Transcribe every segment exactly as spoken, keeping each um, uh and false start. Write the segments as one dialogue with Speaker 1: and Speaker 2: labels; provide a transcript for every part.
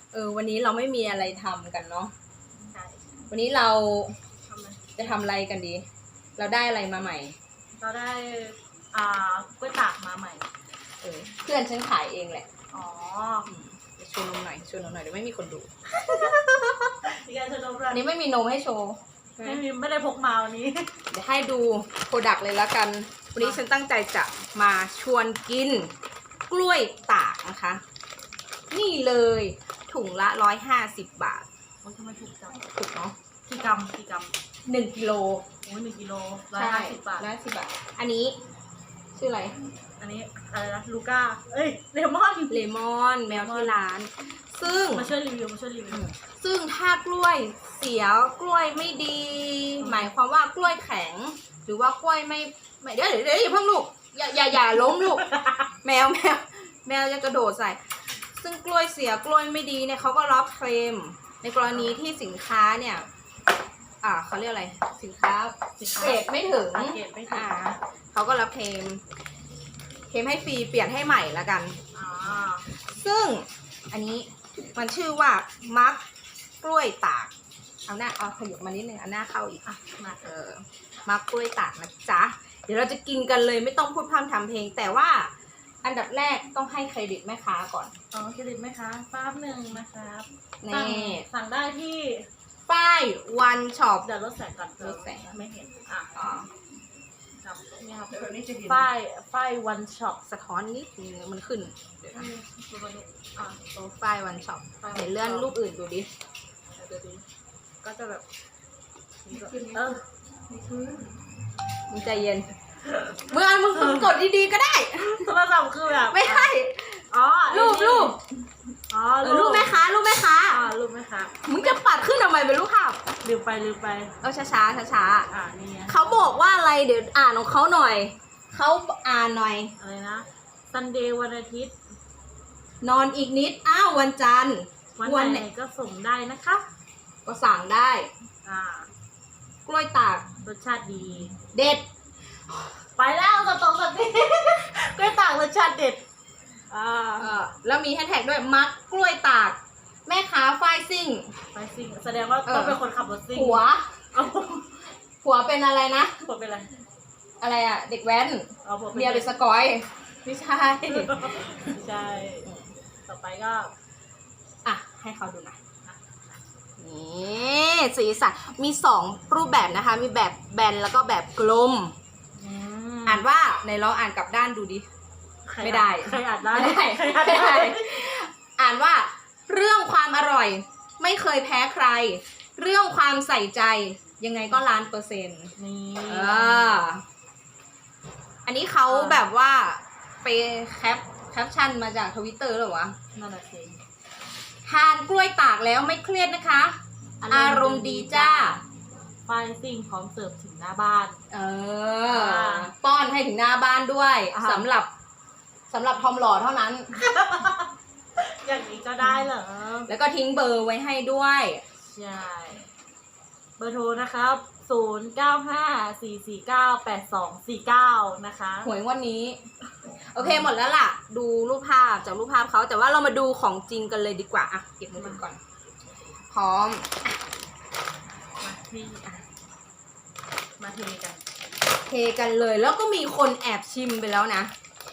Speaker 1: เออวันนี้เราไม่มีอะไรทำกันเนาะ
Speaker 2: ใช่
Speaker 1: วันนี้เรา
Speaker 2: ทำไม
Speaker 1: จะทำอะไรกันดี เราได้อะไรมาใหม่
Speaker 2: เราได้อ่ากล้วยตากมาใหม่
Speaker 1: เออเพื่อนฉันขายเองแหละ
Speaker 2: อ๋อ
Speaker 1: อืมเดี๋ยวโชว์นมหน่อยโชว์นมหน่อยเดี๋ยวไม่มีคนดู
Speaker 2: มีการชนมด้ว
Speaker 1: อั
Speaker 2: ย
Speaker 1: นนี้ไม่มีนมให้โชว์
Speaker 2: ไม่มีไม่ได้พกมาวันนี้
Speaker 1: เดี๋ยวให้ดูโปรดักต์เลยแล้วกัน วันนี้ฉันตั้งใจจะมาชวนกินกล้วยตากนะคะ นี่เลยถุงละร้อยห้าสิบบาท
Speaker 2: โอ้ยทำไมถูกจัง
Speaker 1: ถูกเนาะ
Speaker 2: กี่กรัมกี่กรัม
Speaker 1: หนึ่งกิโล
Speaker 2: โอ้ยหนึ่งกิโลร้อยห้าสิบบาท
Speaker 1: ร้อยห้าสิบบาท อันนี้ชื่ออะไร
Speaker 2: อันนี้อะไรนะลูก้าเอ้ยเลมอน
Speaker 1: เลมอนแมวที่ร้าน ซึ่ง
Speaker 2: มาช่วยรีวิวมาช่วยรีวิว
Speaker 1: ซึ่งถ้ากล้วยเสียกล้วยไม่ดี หมายความว่ากล้วยแข็ง หรือว่ากล้วยไม่ไม่เดี๋ยวเดี๋ยวเดี๋ยวอย่าเพิ่งลูกอย่าอย่าอย่าล้มลูก แมวแมวแมวจะกระโดดใส่ ซึ่งกล้วยเสียกล้วยไม่ดีเนี่ยเขาก็รับเคลมในกรณีที่สินค้าเนี่ยอ่าเขาเรียกอะไรสินค้าเกรดไม่ถึง
Speaker 2: สังเกตไม่ถึง
Speaker 1: อ่าเขาก็รับเคลมเคลมให้ฟรีเปลี่ยนให้ใหม่ละกัน
Speaker 2: อ่า
Speaker 1: ซึ่งอันนี้มันชื่อว่ามักกล้วยตากเอาหน้าเอาขยับมานิดนึงเอาหน้าเข้าอีก
Speaker 2: อ่ะมา
Speaker 1: เออมักกล้วยตากนะจ๊ะเดี๋ยวเราจะกินกันเลยไม่ต้องพูดพร่ำทำเพลง แต่ว่าอันดับแรกต้องให้เครดิตแม่ค้าก่อน
Speaker 2: อ๋อเครดิตไหมคะแป๊บหนึ่งนะครับสั่ง
Speaker 1: นี่
Speaker 2: สั่งได้ที่
Speaker 1: ป้ายวันช็อป
Speaker 2: เดี๋ยวลดแสงก่อน
Speaker 1: ลดแสง
Speaker 2: ไม่เห็นอ่ะ
Speaker 1: อ๋อ
Speaker 2: ครับนี่ครับป้ายป้ายวันช็อป
Speaker 1: สะท้อนนิดนึงมันขึ้นเดี๋ยวนะ
Speaker 2: ดูมาดูอ่ะ
Speaker 1: โอ้ป้ายวันช็อป
Speaker 2: ป้าย
Speaker 1: เห็นเลื่อนรูปอื่นดูดิ
Speaker 2: เดี๋ยวดูก็จะแบบเออ
Speaker 1: มึงใจเย็นเมื่อมึงมึงกดดีๆก็ได้
Speaker 2: โทรศัพท์คือแบบ
Speaker 1: ไม่ให้
Speaker 2: อ๋อ
Speaker 1: รูปรูป
Speaker 2: อ๋อ
Speaker 1: เออรูปแม่ค้ารูปแม่ค้า
Speaker 2: อ่ารูปไหมคะ
Speaker 1: มึงจะปัดขึ้นทำไมเป็นรูปภาพ
Speaker 2: ลืมไปลืมไป
Speaker 1: เออช้าช้าช้าช้า
Speaker 2: อ่านี่ไง
Speaker 1: ๆเขาบอกว่าอะไรเดี๋ยวอ่านของเขาหน่อย เขาอ่านหน่อย
Speaker 2: อะไรนะซันเดย์วันอาทิตย์
Speaker 1: นอนอีกนิด อ้าววันจันทร์
Speaker 2: วันไหนก็ส่งได้นะคะ
Speaker 1: ก็สั่งได้
Speaker 2: อ่าก
Speaker 1: ล้วยตาก
Speaker 2: รสชาติดี
Speaker 1: เด็ด
Speaker 2: ไปแล้วสตองสันนี้ กล้วยตากรสชาติเด็ดอ่า
Speaker 1: เออแล้วมีแฮชแท็กด้วยมักกล้วยตาก แม่ค้าฝ้ายซิ่ง
Speaker 2: ไปซิ่งแสดงว่าต้องเป็นคนขับรถซิ่ง
Speaker 1: ผัว
Speaker 2: เอา
Speaker 1: ผัวเป็นอะไรนะ
Speaker 2: ผัวเป็นอะไร
Speaker 1: อะไรอะเด็กแว้น
Speaker 2: เอาผัว
Speaker 1: เมียเป็นสกอย ไม่ใช่
Speaker 2: ใช่ ต่อไปก็
Speaker 1: อ่ะ ให้เขาดูหน่อยนี่สีสันมีสองรูปแบบนะคะ มีแบบแบนแล้วก็แบบกลม อ่านว่าในลองอ่านกลับด้านดูดิ ไม่ได้
Speaker 2: ใครอ่านได้
Speaker 1: ไม่ได้
Speaker 2: ใครอ่าน
Speaker 1: ไม่
Speaker 2: ได้
Speaker 1: ได้ อ่านว่า เรื่องความอร่อย ไม่เคยแพ้ใคร เรื่องความใส่ใจ ยังไงก็ล้านเปอร์เซ็นต์
Speaker 2: นี่
Speaker 1: เอออันนี้เขาแบบว่าไปแคปแคปชั่นมาจากทวิตเตอร์หรอวะ
Speaker 2: นั่นแหละสิ
Speaker 1: ทานกล้วยตากแล้วไม่เครียดนะคะ อารมณ์ดีจ้า
Speaker 2: ไฟซิ่งพร้อมเสิร์ฟถึงหน้าบ้าน
Speaker 1: เออ ป้อนให้ถึงหน้าบ้านด้วย
Speaker 2: อ่า
Speaker 1: สำหรับสำหรับทอมหล่อเท่านั้น
Speaker 2: อย่างนี้ก็ได้เหรอ
Speaker 1: แล้วก็ทิ้งเบอร์ไว้ให้ด้วย
Speaker 2: ใช่ เบอร์โทรนะครับ ศูนย์ เก้า ห้า สี่ สี่ เก้า แปด สอง สี่ เก้า นะคะ
Speaker 1: หวยงวันนี้ โอเคหมดแล้วล่ะ ดูรูปภาพจากรูปภาพเขาแต่ว่าเรามาดูของจริงกันเลยดีกว่า อ่ะ เก็บมือถือก่อน พร้อม
Speaker 2: มาที่อ่ะมาเทกัน
Speaker 1: เทกันเลย แล้วก็มีคนแอบชิมไปแล้วนะ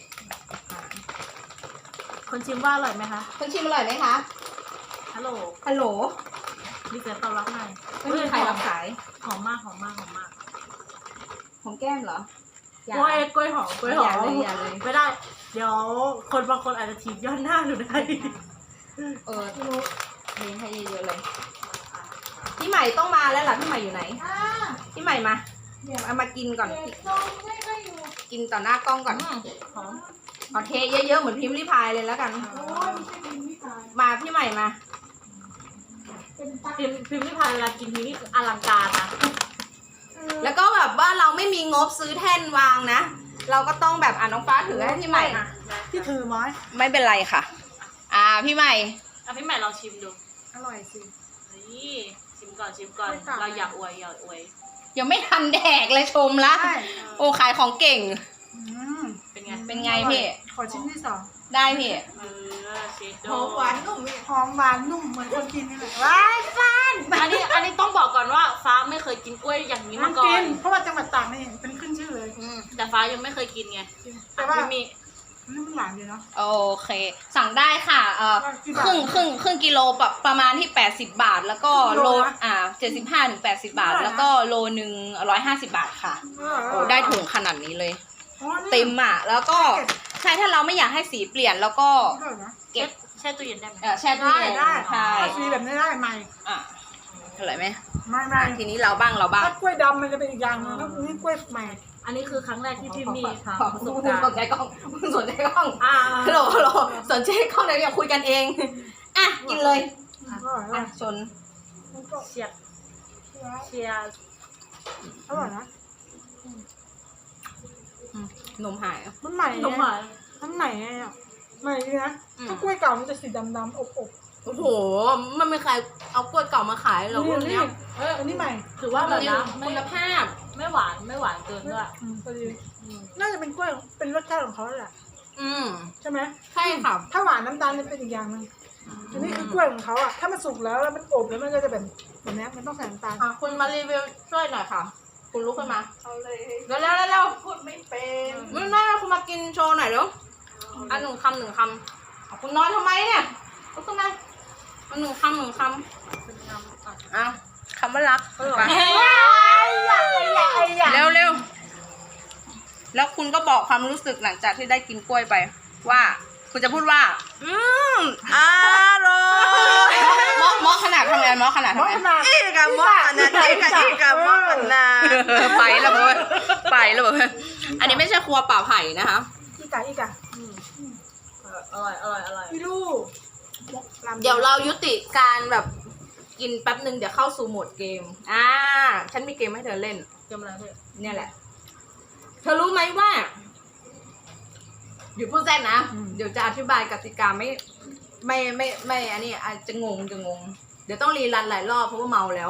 Speaker 2: คนชิมว่าอร่อยไหมคะ
Speaker 1: คนชิมอร่อยไหมคะ
Speaker 2: ฮัลโหล
Speaker 1: ฮัลโหล
Speaker 2: ดีเซลตอบรับหน่อย
Speaker 1: ไม่มีใครรับสาย
Speaker 2: หอมมากหอมมากหอมมาก
Speaker 1: ของแก้มเหรออก ย่า
Speaker 2: ล้วยกล้วยหอมกล้วยหอม
Speaker 1: อย่าเลยอย่าเลย
Speaker 2: ไม่ได้ เดี๋ยวคนบางคนอาจจะถีบย้อนหน้าหนูได้
Speaker 1: เออเลี้ยงให้เยอะๆเลย พี่ใหม่ต้องมาแล้วล่ะ พี่ใหม่อยู่ไหน พี่ใหม่มาเอามากินก่อน กินต่อหน้ากล้องก่อน
Speaker 2: อืมหอม
Speaker 1: เอาเทเยอะๆเหมือนพิมพ์ริพายเลยแล้วกัน มาพี่ใหม่มา
Speaker 2: พิมพ์พิมพ์ที่พายเวลากินทีนี่อลังการนะ
Speaker 1: แล้วก็แบบว่าเราไม่มีงบซื้อแท่นวางนะ เราก็ต้องแบบอ่าน้องฟ้าถือให้พี่ใหม่
Speaker 2: ที่ถือไม้
Speaker 1: ไม่เป็นไรค่ะ อ่าพี่ใหม่
Speaker 2: อ่ะพี่ใหม่ลองชิมดู
Speaker 3: อร่อยสิ
Speaker 2: นี่ชิมก่อนชิมก่อน
Speaker 3: ไม่ต่าง
Speaker 2: เราอยากอวยอยากอวย
Speaker 1: ยังไม่ทันแดกเลยชมละ
Speaker 3: ใช่
Speaker 1: โอ้ขายของเก่ง
Speaker 3: อืม
Speaker 2: เป็นไง
Speaker 1: เป็นไงพี่
Speaker 3: ขอชิ้นที่สอง
Speaker 1: ได้พี่
Speaker 2: เออเชดโด
Speaker 3: หอมหวานนุ่มหอมหวานนุ่มเหมือนคนกินนี่แหละว้ายฟ้าน
Speaker 2: อันนี้อันนี้ต้องบอกก่อนว่าฟ้าไม่เคยกินกล้วยอย่างนี้
Speaker 3: มั
Speaker 2: มาน ก่อ
Speaker 3: กิ
Speaker 2: น
Speaker 3: นเพราะว่าจังหวัดตากนี่เป็นขึ้นชื่อเลย
Speaker 1: อืม
Speaker 2: แต่ฟ้ายังไม่เคยกินไง
Speaker 3: แต่ว่า
Speaker 2: ไม่มี
Speaker 3: นี่มันหวานดีเนาะ
Speaker 1: โอเค สั่งได้ค่ะเอ่อ
Speaker 3: กี่
Speaker 1: ค
Speaker 3: บาท
Speaker 1: รึ่งครึ่งครึ่งกิโลประประมาณที่แปดสิบบาท แล้วก็
Speaker 3: กิโล
Speaker 1: โล
Speaker 3: นะ
Speaker 1: อ่าเจ็ดสิบห้าถึงแปดสิบบาท
Speaker 3: เท่าไหร่นะ
Speaker 1: แล้วก็โลหนึ่งร้อยห้าสิบบาทค่ะโอ้ได้ถุงขนาดนี้เลย
Speaker 3: อ๋อนี่
Speaker 1: เต็มอ่ะ แล้วก็
Speaker 3: เก็บ
Speaker 1: ใช่ถ้าเราไม่อยากให้สีเปลี่ยนแล้วก็
Speaker 3: เท่าไหร่นะ
Speaker 1: เก็บ
Speaker 2: แช่ตู้เย็นได้ไหม
Speaker 1: เอ่อแช่ตู้
Speaker 3: ได้
Speaker 1: เย็น
Speaker 3: ได้
Speaker 1: ใช่
Speaker 3: ถ้าสีแบบนี้ได้ไหม
Speaker 1: อ่ะอร่อยไหม
Speaker 3: ไม่ไม่
Speaker 1: อ่ะทีนี้เราบ้างเราบ้าง
Speaker 3: ถ้ากล้วยดำมันจะเป็นอีกอย่างหนึงถ้านี่กล้วยใหม่
Speaker 2: อันนี้คือครั้งแรกที่พี่มีทำ
Speaker 1: ขอ
Speaker 2: ประส
Speaker 1: มึ
Speaker 2: บ
Speaker 1: ง
Speaker 2: การ
Speaker 1: สน
Speaker 2: ณ์
Speaker 1: ใจกล้องมึงสนใจกล้อง
Speaker 2: อ่า
Speaker 1: ฮัลโหลฮัลโหลสนใจกล้องเดี๋ยวอย่าคุยกันเองอ่ะกินเลย
Speaker 3: อร่อย
Speaker 1: อ่ะ
Speaker 3: นะ
Speaker 1: ชน
Speaker 3: มันก็
Speaker 2: เชียร์เชียร์
Speaker 3: อร่อยนะ
Speaker 1: อืมนมหายอ่ะ
Speaker 3: มันใหม่
Speaker 2: นมหวาน
Speaker 3: มันใหม่ไงอ่ะใหม่ดีนะ
Speaker 1: อืม
Speaker 3: ถ้ากล้วยเก่ามันจะสีดำๆอบ
Speaker 1: โอ้โห มันไม่ใครเอากล้วยเก่ามาขาย
Speaker 3: ๆ
Speaker 1: หรอกพวก
Speaker 3: นี่
Speaker 1: เนี้ย
Speaker 3: เอออันนี้ใหม่
Speaker 2: ถือว่าแบบนะไม่
Speaker 1: คุณภาพ
Speaker 2: ไม่หวานไม่หวานเกินด้วย
Speaker 3: อืมพอดี
Speaker 2: อืม
Speaker 3: น่าจะเป็นกล้วยเป็นรสชาติของเขาแหละ
Speaker 1: อืม
Speaker 3: ใช่ไหม
Speaker 1: ใช่ค่ะ
Speaker 3: ถ้าหวานน้ำตาลจะเป็นอีกอย่างหนึงอันนี้คือกล้วยของเขาอ่ะถ้ามันสุกแล้วแล้วมันอบแล้วมันก็จะแบบแบบนี้มันต้องใส่น้ำตาล
Speaker 1: อ่ะ คุณมารีวิวช่วยหน่อยค่ะ คุณลุกขึ้นมา
Speaker 3: เอาเลย
Speaker 1: เร็วเร็วเร็วเร็ว
Speaker 3: พูดไม่เป็น
Speaker 1: ไม่ไม่ไม่คุณมากินโชว์หน่อยเร็วอ่ะหนึ่งคำหนึ่งคำอ่ะคุณนอนทำไมเนี่ยลุกขึ้นมาอ่ะหนึ่งคำหนึ่งค
Speaker 2: เป็นน้ำอ่ะ
Speaker 1: ำอ่ะคำว่ารักไป
Speaker 3: อยากอยาก
Speaker 1: เร็วเร็วแล้วคุณก็บอกความรู้สึกหลังจากที่ได้กินกล้วยไป ว่า คุณจะพูดว่า อืมอร่อยมอมอขนาดทำไงมอขนาด
Speaker 3: มอ
Speaker 1: ทำไง
Speaker 3: ขนาด
Speaker 4: อีกอะมอกันนะอีกอะอีกอะมอกันนะ
Speaker 1: ไปแล้วเว้ยไปแล้วเว้ยอันนี้ไม่ใช่ครัวป่าไผ่นะคะ
Speaker 3: อีกอะอีกอะ
Speaker 2: อืมอร่อยอร่อยอร่อย
Speaker 3: พี่ลูก
Speaker 1: เดี๋ยวเรายุติการแบบกินแป๊บหนึ่งเดี๋ยวเข้าสู่โหมดเกม อ่า ฉันมีเกมให้เธอเล่น
Speaker 2: เกมอะไรพี่
Speaker 1: เนี่ยแหละ เธอรู้ไหมว่าอยู่พูดแจ้งนะ เดี๋ยวจะอธิบายกติกาไม่ไม่ไม่ไม่อันนี้อาจจะงงจะงง เดี๋ยวต้องรีรันหลายรอบเพราะว่าเมาแล้ว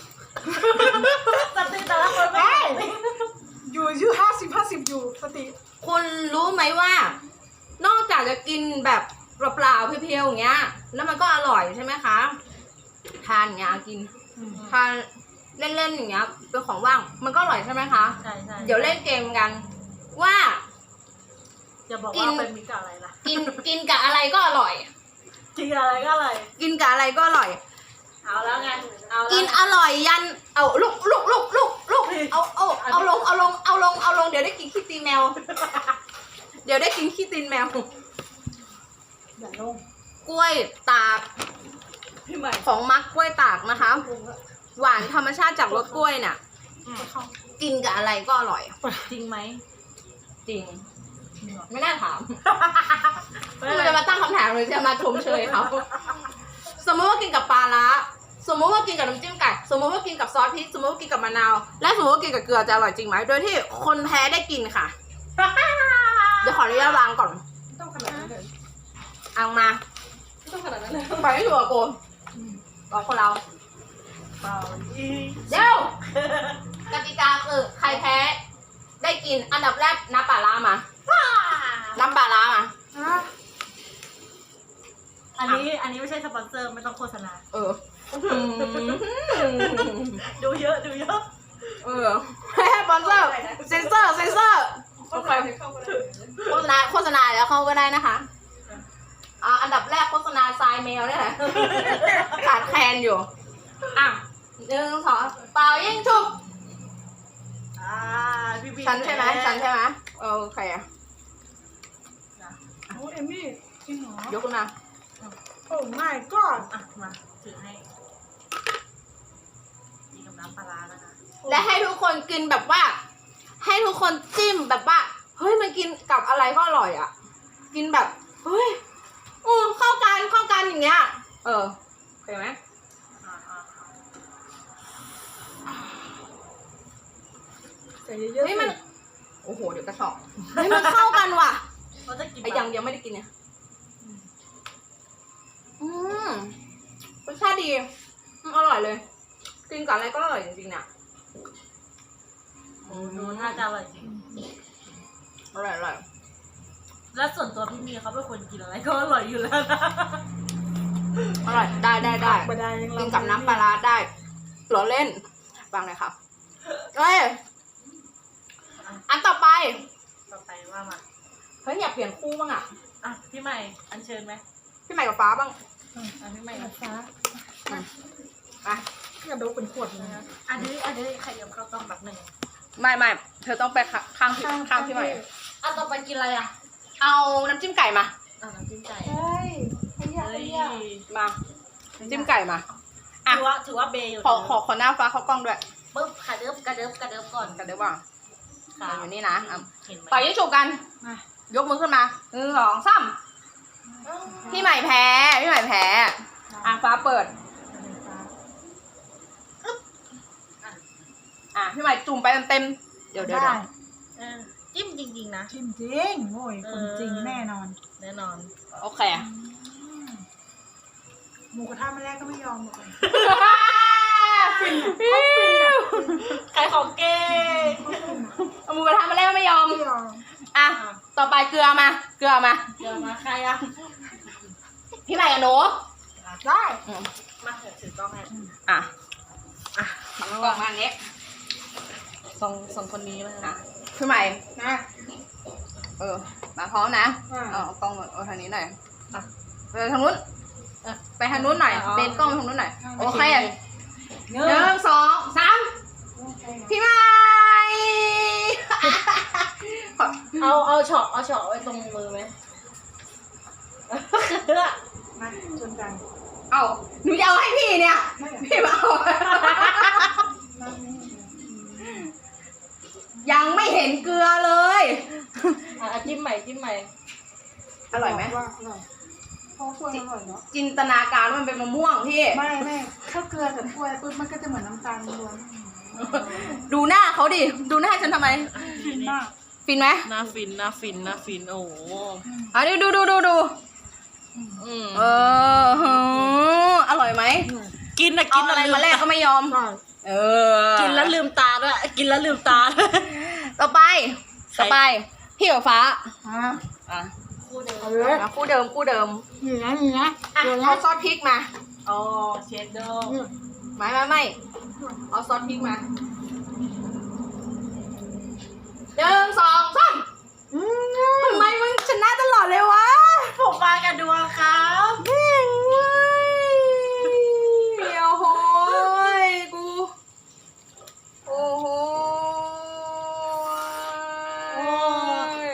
Speaker 2: สติแต่ละคนไม่
Speaker 3: อยู่อายุห้าสิบห้าสิบอยู่สติ
Speaker 1: คุณรู้ไหมว่า นอกจากจะกินแบบเปล่าๆเพียวๆอย่างเงี้ย แล้วมันก็อร่อยใช่ไหมคะทานอย่างเงี้ยกินทานเล่นๆอย่างเงี้ยเป็นของว่างมันก็อร่อยใช่ไหมคะ
Speaker 2: ใช่ใช่
Speaker 1: เดี๋ยวเล่นเกมกัน ว่า
Speaker 2: อย่าบอก
Speaker 1: กิน
Speaker 2: ว่าเป็นมิตรกับอะไรล่ะ
Speaker 1: กินกินกับอะไรก็อร่อย
Speaker 2: กินอะไรก็อร่อย
Speaker 1: กินกับอะไรก็อร่อย
Speaker 2: เอาแล้วไงเอาแล้ว
Speaker 1: กินอร่อยยันเอาลุกลุกลุกลุกลุกเอาเอาเอาลงเอาลงเอาลงเอาลงเดี๋ยวได้กินขี้ตีนแมว เดี๋ยวได้กินขี้ตีนแมว
Speaker 3: อย่าลง
Speaker 1: กล้วยตาก
Speaker 2: พี่ใหม่
Speaker 1: ของมักกล้วยตากนะคะ หวานธรรมชาติจากรสกล้วยน่ะ กินกับอะไรก็อร่อย
Speaker 2: จริงไหม
Speaker 1: จริง ไม่น่าถามคุณจะมาตั้งคำถามหรือจะมาชมเชยเขาสมมติว่ากินกับปลาร้าสมมติว่ากินกับน้ำจิ้มไก่สมมติว่ากินกับซอสพริกสมมติว่ากินกับมะนาวและสมมติว่ากินกับเกลือจะอร่อยจริงไหมโดยที่คนแพ้ได้กินค่ะ เดี๋ยวขออนุญาตวางก่อน
Speaker 3: ไม่ต้องขนาดนั้นเลย
Speaker 1: เอามา
Speaker 3: ไม่ต้องขนาดนั้นเลย
Speaker 1: ไปให้ถูกกับโกนบอกคนเรา
Speaker 2: เปล่าอี
Speaker 1: เดี๋ยวกติกาคือใครแพ้ได้กินอันดับแรกน้ำปลาร้ามาน้ำปลาร้ามา
Speaker 3: ฮะ
Speaker 2: อันนี้อันนี้ไม่ใช่สปอนเซอร์ไม่ต้องโฆษณา
Speaker 1: เออ
Speaker 2: ดูเยอะดูเยอะ
Speaker 1: เออให้สปอนเซอร์เซนเซอร์เซนเซอร์โอเคโฆษณาโฆษณาแล้วเข้าก็ได้นะคะอ่าอันดับแรกโฆษณาทรายเมลเนี่ยแหละขาดแคลนอยู่อ่ะหนึ่งสองเป่ายิ่งชุบ
Speaker 2: อ่าพี่บี
Speaker 1: ฉันใช่ไหมฉันใช่ไหมโอเค
Speaker 3: โอ้เอมมี่จริงเหรอย
Speaker 1: กขึ้นมา
Speaker 3: โอ้ไม่ก็
Speaker 2: อ่ะมาถือให้กินกับน้ำปลาร้านะคะ
Speaker 1: และให้ทุกคนกินแบบว่า ให้ทุกคนจิ้มแบบว่าเฮ้ยมันกินกับอะไรก็อร่อยอ่ะ กินแบบเฮ้ยอือเข้ากันเข้ากันอย่างเงี้ย เออโอเคไหม
Speaker 2: อ่าอ่าอ่า
Speaker 3: ใส่เยอะๆ
Speaker 1: เฮ้ยมัน โอ้โหเดี๋ยวกระชอกเฮ้ยมันเข้ากันว่ะ
Speaker 2: เราจะกิน
Speaker 1: ไอ้ยังยังไม่ได้กินเนี่ยอืมรสชาติดีอืมอร่อยเลย กินกับอะไรก็อร่อยจริงๆเนี่ย
Speaker 2: ดูน่าจะอร่อยจริง
Speaker 1: อร่อยอร่อย
Speaker 2: แล้วส่วนตัวพี่มีเขาเป็นคนกินอะไรก็อร่อยอยู่แล้วนะ
Speaker 1: อร่อยได้ได้ได้
Speaker 3: บดายัง
Speaker 1: กินกับน้ำปลาร้าได้หรอเล่นฟังเลยค่ะเอ้ยอันต่อไป
Speaker 2: ต่อไปว่ามา
Speaker 1: เฮ้ยอยากเปลี่ยนคู่บ้างอ่ะ
Speaker 2: อ่ะพี่ใหม่อัญเชิญไหม
Speaker 1: พี่ใหม่กับฟ้าบ้าง
Speaker 2: อ่ะพี่ใหม่
Speaker 3: ฟ้า
Speaker 1: อ่ะ
Speaker 3: กระดูกเป็นขวดเลยนะ
Speaker 2: อันนี้อันนี้ใครเดี๋ยวเข้าต้องแบบหนึ่ง
Speaker 1: ไม่ไม่เธอต้องไปข้างข้างพี่ข้างพี่ใหม่
Speaker 2: อ่ะต่อไปกินอะไรอ่ะ
Speaker 1: เอาน้ำจิ้มไก่มา
Speaker 2: อ่ะน้ำจิ้มไก่
Speaker 3: เฮ้ยขยะ
Speaker 2: เฮ้
Speaker 3: ข
Speaker 2: ย
Speaker 3: ยะ
Speaker 1: มาน้ำจิ้มไก่มาอ่ะ
Speaker 2: ถือว่าถือว่าเบย์อยู่
Speaker 1: ขอขอขอหน้าฟ้าเข้ากล้องด้วย
Speaker 2: ปุ๊บกระเดิบกระเดิบกระเดิบก่อน
Speaker 1: กันเดี๋ยวว่า
Speaker 2: ค่ะ
Speaker 1: อยู่นี่นะอ่ะ
Speaker 2: เห็นไหม
Speaker 1: ต่อยยิ่งฉุบกัน
Speaker 3: มาย
Speaker 1: กมือขึ้นมาหนึ่งสองสามพี่ใหม่แพ้พี่ใหม่แพ้อ่ะฟ้าเปิดอ่ะพี่ใหม่จุ่มไปเต็มๆเดี๋ยวเดี๋ยว
Speaker 3: ได้
Speaker 1: เดี๋ยว
Speaker 2: เออจิ้มจริงๆนะ
Speaker 3: จริงจริงโอ้ยคนจริงแน่นอน
Speaker 2: แน่นอน
Speaker 1: โอเค
Speaker 3: หมูกระทะมาแรกก็ไม่ยอมหมดเลย
Speaker 2: ขายของเก่ง
Speaker 1: เอาหมูกระทะมาแล้วไม่ยอม
Speaker 3: ไม่ยอม
Speaker 1: อ่ะต่อไปเกลือมาเกลือมา
Speaker 2: เดี๋ยวมาใครอ่ะ
Speaker 1: พี่ใหม่กับหนู
Speaker 3: ได้
Speaker 1: อืม
Speaker 2: มาเถอะถือกล้องให้
Speaker 1: อ่ะอ่ะกล่องมาอันนี้
Speaker 2: สองสองคนนี้เลย
Speaker 1: อ่ะพี่ใหม่
Speaker 3: นะ
Speaker 1: เออมาพร้อมนะ
Speaker 3: อ่า
Speaker 1: เอาเอากล้องมาเอาทางนี้หน่อยอ่ะไปทางนู้นเออไปทางนู้นหน่อยเบนกล้องไปทางนู้นหน่อยโอเค
Speaker 2: ห
Speaker 1: หนึ่งสองสามพี่ใหม่
Speaker 2: เอาเอาเฉาะเอาเฉาะไว้ตรงมือไหม
Speaker 3: มาชนกัน
Speaker 1: เอาหนูจะเอาให้พี่เนี่ยพี่มาเอายังไม่เห็นเกลือเลย
Speaker 2: อ่ะจิ้มใหม่จิ้มใหม่
Speaker 1: อร่อยไหม
Speaker 3: ว่าอร่อยเพราะกล้วยอร่อยเนาะ
Speaker 1: จินตนาการว่ามันเป็นมะม่วงพี่
Speaker 3: ไม่ไม่ถ้าเกลือกับกล้วยปุ๊บมันก็จะเหมือนน้ำตาลล้วน
Speaker 1: ดูหน้าเขาดิ ดูหน้าฉันทำไม
Speaker 3: ฟินมาก
Speaker 1: ฟินไหม
Speaker 2: หน้าฟินหน้าฟินหน้าฟินโอ้โห
Speaker 1: เอาดิดูดูดูดู
Speaker 2: อืม
Speaker 1: เออหืออร่อยไหม
Speaker 2: กินนะ
Speaker 1: กิ
Speaker 2: กิ
Speaker 1: น
Speaker 2: น
Speaker 1: อะไรมาแรกก็ไม่ยอม
Speaker 3: ใช่
Speaker 1: เออ
Speaker 2: กินแล้วลืมตาด้วยกินแล้วลืมตาด้วย
Speaker 1: ต่อไป ต่อไป พี่กับฟ้า
Speaker 3: อ่ะ
Speaker 1: อ่ะ
Speaker 2: คู่เดิม
Speaker 3: เอาเลย
Speaker 1: มาคู่เดิมคู่เดิม
Speaker 3: นี่นะนี่นะ
Speaker 1: อ่ะ
Speaker 3: เดี๋ยวนะ
Speaker 1: เอาซอสพริกมา
Speaker 2: อ๋อเชดเดอร์
Speaker 3: นี่
Speaker 1: ไม่ไม่ไม่เอาซอสพริกมาหนึ่งสองสาม
Speaker 3: อืม
Speaker 1: ทำไมมึงชนะตลอดเลยวะ
Speaker 2: ผมมากับดวงครับ
Speaker 1: แม่งเว้ยโอ้โหยกู โอ้โหย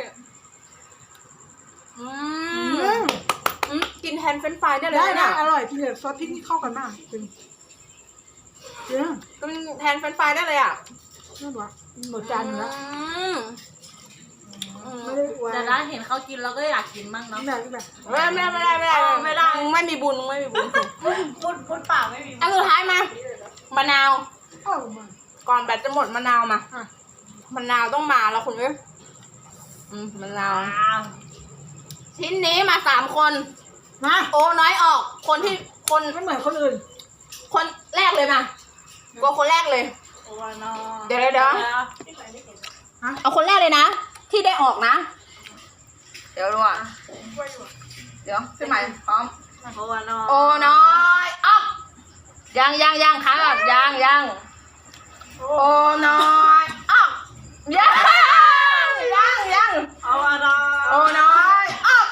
Speaker 1: อืม
Speaker 3: อืม
Speaker 1: อืมกินแทนเฟรนช์ฟรายได้เลย
Speaker 3: ได้
Speaker 1: นะ
Speaker 3: นะอร่อยพี่เดี๋ยวซอสพริกนี่เข้ากันมากจริงจริง
Speaker 1: กินแทนเฟรนช์ฟรายได้เลยอ่ะ
Speaker 3: นั่นวะหมดจานหนึงแล้ว
Speaker 1: อืมอืม
Speaker 3: ไม่ได้อวย
Speaker 2: แต่ถ้าเห็นเขากินเราก็อยากกินบ้างเนาะ
Speaker 3: แบบแบบ
Speaker 1: ไม่ได้ไม่ได้ไม่ได้ไม่ได้
Speaker 2: อ๋อไม่ได้
Speaker 1: มึงไม่มีบุญมึงไม่มีบุญ
Speaker 2: พูดพูดเปล่าไม่มี
Speaker 1: อันสุดท้ายมา มะนาว
Speaker 3: เอ้ามา
Speaker 1: ก่อนแบตจะหมดมะนาวมา
Speaker 3: อ่ะ
Speaker 1: มะนาวต้องมาแล้วคุณเอ้ยอืมมะนาว
Speaker 2: อ้าว
Speaker 1: ชิ้นนี้มาสามคน
Speaker 3: มา
Speaker 1: โอน้อยออก คนที่คน
Speaker 3: ไม่เหมือนคนอื่น
Speaker 1: คนแรกเลยมาตัวคนแรกเลย
Speaker 2: โอ้ยนอ
Speaker 1: เดี๋ยวเดี๋ยวเดี๋ยว เอาคนแรกเลยนะ ที่ได้ออกนะ เดี๋ยวดูอ่ะเดี๋ยวพี่ใหม่พร้อม
Speaker 2: โอ้ยนอ
Speaker 1: โอน้อยออกยังยังยังค้างก่อนยังยังโอน้อยออกยังยังยัง
Speaker 2: โอ้ยนอ
Speaker 1: โอน้อยออก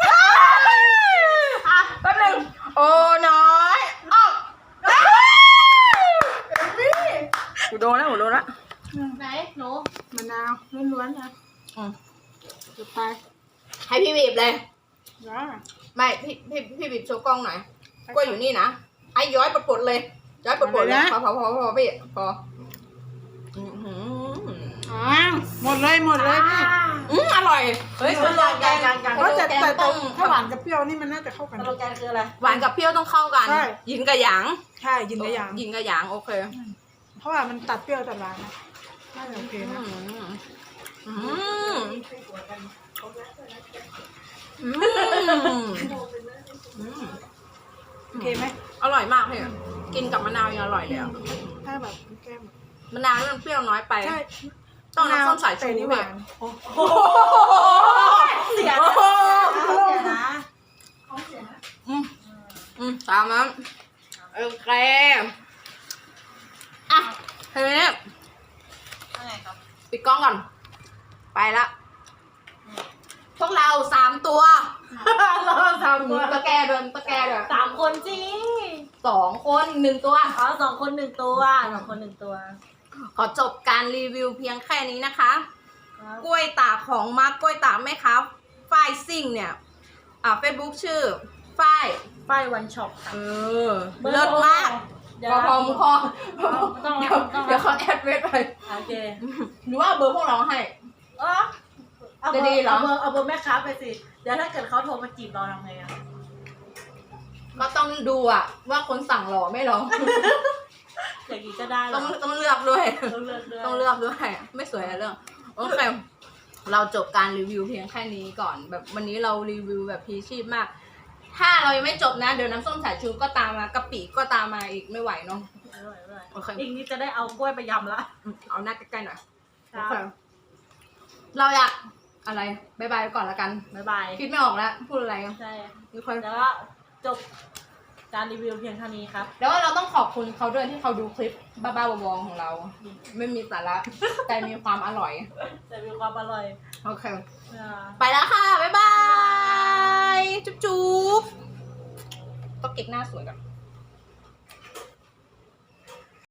Speaker 1: อ่ะแป๊บนึงโอน้อยออกกูโดนแล้วกูโดนแล้ว
Speaker 2: ไหนหนู
Speaker 3: มะนาวล้วนๆนะ
Speaker 1: อืม
Speaker 3: สุดไป
Speaker 1: ให้พี่บีบเลย
Speaker 3: นะ
Speaker 1: ไม่พี่พี่พี่บีบโชว์กล้องหน่อยกล้วยอยู่นี่นะไอ้ย้อยปลดๆเลยย้อยปลดๆเลยพอพอพอพอพี่พออื้อหือ
Speaker 3: อ่าหมดเลยหมดเลยพี่
Speaker 1: อืมอร่อยเฮ้ย
Speaker 2: สโลแกนการการ
Speaker 3: เพราะแต่แต่
Speaker 1: ต้
Speaker 3: แต่
Speaker 1: อง
Speaker 3: ถ้าหวานกับเปรี้ยวนี่มันน่าจะเข้ากัน
Speaker 2: สโลแกนคืออะไร
Speaker 1: หวานกับเปรี้ยวต้องเข้ากัน
Speaker 3: ใช่
Speaker 1: ยินกับหยาง
Speaker 3: ใช่ยินได้ยัง
Speaker 1: ยินกับหยางโอเค
Speaker 3: เพราะว่ามันตัดเปรี้ยวตัดหวานนะน่าจะโอเค
Speaker 1: อื
Speaker 3: นะ
Speaker 1: มอืมอืมอืม
Speaker 3: โอเคไหม
Speaker 1: อร่อยมากเลยกินกับมะนาวยังอร่อยเลยอะ
Speaker 3: ถ้าแบบแก้ม
Speaker 1: มะนาวนี่มันเปรี้ยวน้อยไป
Speaker 3: ใช่
Speaker 1: ต้องน้ำส้มสายชู
Speaker 3: แต่นี่ห
Speaker 1: พี่
Speaker 3: วาน
Speaker 2: โอ้โหเสียนะเสียนะ
Speaker 1: อืมอืมตามนั้นโอเคอ่ะทีนี้
Speaker 2: อะไรครับ
Speaker 1: ปิดกล้องก่อน ไปละพวกเราสามตัว
Speaker 2: เราสามคน
Speaker 1: ตะแกเดินตะแกเดิน
Speaker 2: สามคนจริง
Speaker 1: สองคนหนึ่งตัว
Speaker 2: อ๋อสองคนหนึ่งตัวสองคนหนึ่งตัว
Speaker 1: ขอจบการรีวิวเพียงแค่นี้นะคะ
Speaker 2: ครับ
Speaker 1: กล้วยตากของมาร์กกล้วยตากไหมครับฝ้ายซิ่งเนี่ย อ่าเฟซบุ๊กชื่อฝ้าย
Speaker 2: ป้ายวันช็อปค่ะ
Speaker 1: เออเลิศมาก
Speaker 2: เดี๋ยว
Speaker 1: พอพอมึงพอ
Speaker 2: ต้อง
Speaker 1: เดี๋
Speaker 2: แล้
Speaker 1: ยว
Speaker 2: วต้อง
Speaker 1: เดี๋ยว
Speaker 2: แล้ว
Speaker 1: เขาแอดเวทไป
Speaker 2: โอเค
Speaker 1: หรือว่าเบอร์พวกเราให้
Speaker 2: อ๋อเอาเบอ
Speaker 1: จะดี
Speaker 2: ร์
Speaker 1: เหรอ
Speaker 2: เอาเบอร์เอาเบอร์แม่ค้าไปสิ เดี๋ยวถ้าเกิดเขาโทรมาจีบเราทำไงอะ
Speaker 1: ก็ต้องดูอะว่าคนสั่งหล่อไม่หล่อ
Speaker 2: อย่างนี้ก็ได้เหร
Speaker 1: ต้
Speaker 2: อ
Speaker 1: องต้องเลือกด้วย
Speaker 2: ต้องเลือกด้วย
Speaker 1: ต้องเลือกด้วย ไม่สวยอะเรื่องโอเค เราจบการรีวิวเพียงแค่นี้ก่อน แบบวันนี้เรารีวิวแบบพีชีพมาก ถ้าเรายังไม่จบนะ เดี๋ยวน้ำส้มสายชูก็ตามมากะปิก็ตามมาอีกไม่ไหวเนาะ
Speaker 2: ไม่ไหวไม่ไหว
Speaker 1: โอเค
Speaker 2: อีกนิดจะได้เอากล้วยไปยำละ
Speaker 1: อืมเอาหน้าใกล้ๆหน่อย
Speaker 2: ครั
Speaker 1: โอเค
Speaker 2: บ
Speaker 1: เราอยากอะไรบายบายก่อนละกัน
Speaker 2: บ๊ายบาย
Speaker 1: คิดไม่ออกแล้ว พูดอะไร
Speaker 2: ใช่
Speaker 1: มีคน
Speaker 2: แล้วก็จบการรีวิวเพียงเท่านี้ครับ
Speaker 1: แล้วเราต้องขอบคุณเขาด้วยที่เขาดูคลิปบ้าๆบอๆของเรา ไม่มีสาระ แต่มีความอร่อย
Speaker 2: จะมีความอร่อย
Speaker 1: โอเค
Speaker 2: อ่า
Speaker 1: ไปแล้วค่ะ บ๊ายบาย จุ๊บๆต้องเก็บหน้าสวยก่อน